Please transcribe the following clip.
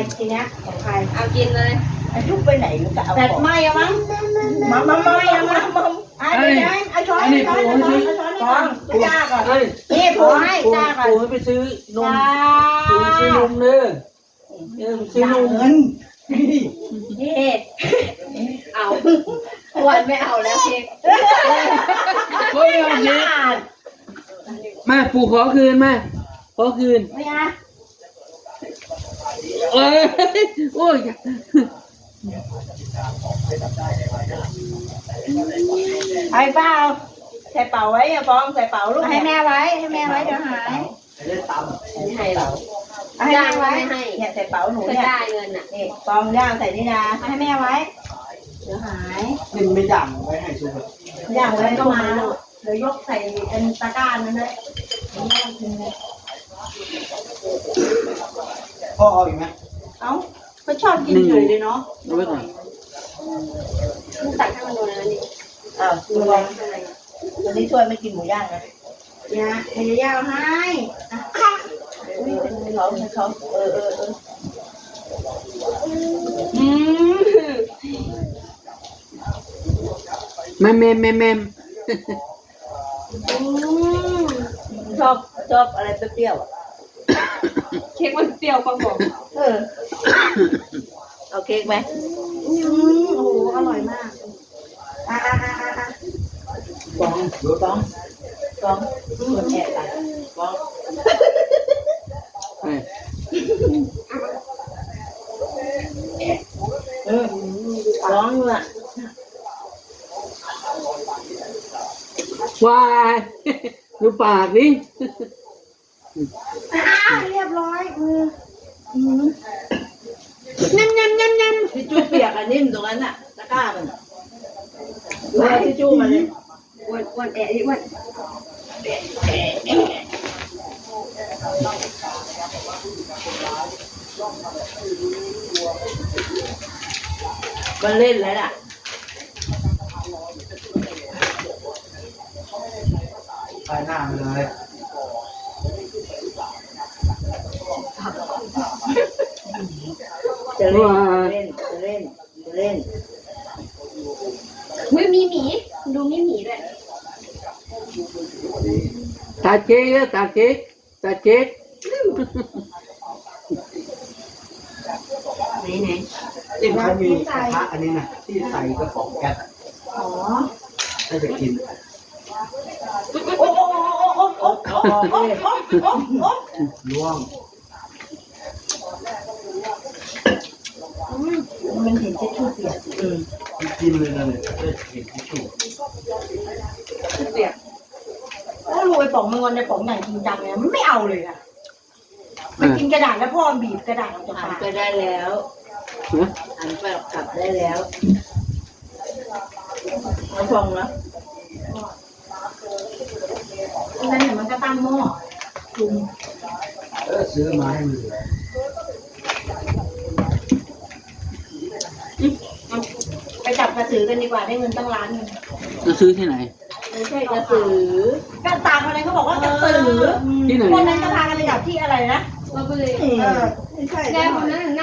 ทีเนี้ยของใครเอากินเลยยุบไปไหนมันก็เอาแต่ของไม่อะมั้งมาเดี๋ยวเอาช้อนช้อนช้อนจ้าก่อนนี่ผูให้จ้าก่อนปูให้ไปซื้อนมปูซื้อนมเด้อซื้อนมเงินนี่เอาวันไม่เอาแล้วเค้กเฮ้ยเอาสิมาปูขอคืนมาขอคืนไม่อะเอ้ยโอ้ยไอ้เปล่าใส่เป่าไว้อะฟองใส่เป่าลูกให้แม่ไว้เดี๋ยวหายไม่ให้เราให้ย่าแม่งก็ไว้ไม่ให้เนี่ยใส่เป่าหนูเพื่อเนี่ยได้เงินอ่ะนี่ฟองย่างใส่นี่นะให้แม่ไว้เดี๋ยวหายนี่ไม่ย่างไว้ให้ซุปย่างไว้ก็ก็มามาเดี๋ยวยกใส่เป็นตะกร้านั่นเลยพ่อเอาอีกไหมเอ้าก็ชอบกินเฉยเลยเนาะเอาไว้ก่อนมึงตักให้มันโดนแล้วนี่อ้าวตัวอะไรตัวนี้ช่วยไม่กินหมูย่างนะเนี่ยเดี๋ยวย่าให้ให้เขาเอออืมแม่มชอบอะไรเปรี้ยวๆเค้กมันเปรี้ยวกว่าบอกเอาเค้กไหมโอ้โหอร่อยมากอ่ะฟองดูต้องคนแอบไปฟองเฮ้ยฟองอ่ะวายดูปากดิเรียบร้อยยำทิชชู่เปียกอันนิ่มตรงนั้นน่ะตะกร้ามันดูทิชชู่มาเลยอ้วนแอะดิอ้วนมันเล่นแล้วล่ะใส่หน้าไปเลยจะเล่นไม่มีหมีดูมีหมีด้วยตาเจ๊กตาเจ๊กไหนที่เขามีกระทะอันนี้นะที่ใส่กระป๋องแก๊สอ๋อถ้าจะกินโอ้ร่วงมันเห็นทิชชู่เปียกกินเลยนะเนี่ยได้เห็นที่ชู่เปียกโอ้รวยป๋องมังกรในป๋องอย่างจริงจังเลยมันไม่เอาเลยอะมันกินกระดาษแล้วพ่อบีบกระดาษออกจากหันปากไปได้แล้วหันไปกลับได้แล้วน้ำฟองนะนั่นเนี่ยมันก็ตั้งหม้อจุ่มซื้อมาให้มันไปจับกระสือกันดีกว่าได้เงินตั้งล้านนึงจะซื้อที่ไหนไม่ใช่กระสือก็ตามคนนั้นเขาบอกว่ากระสือที่ไหนคนนั้นจะพากันไปจับที่อะไรนะเราก็เลยไม่ใช่แกคนนั้น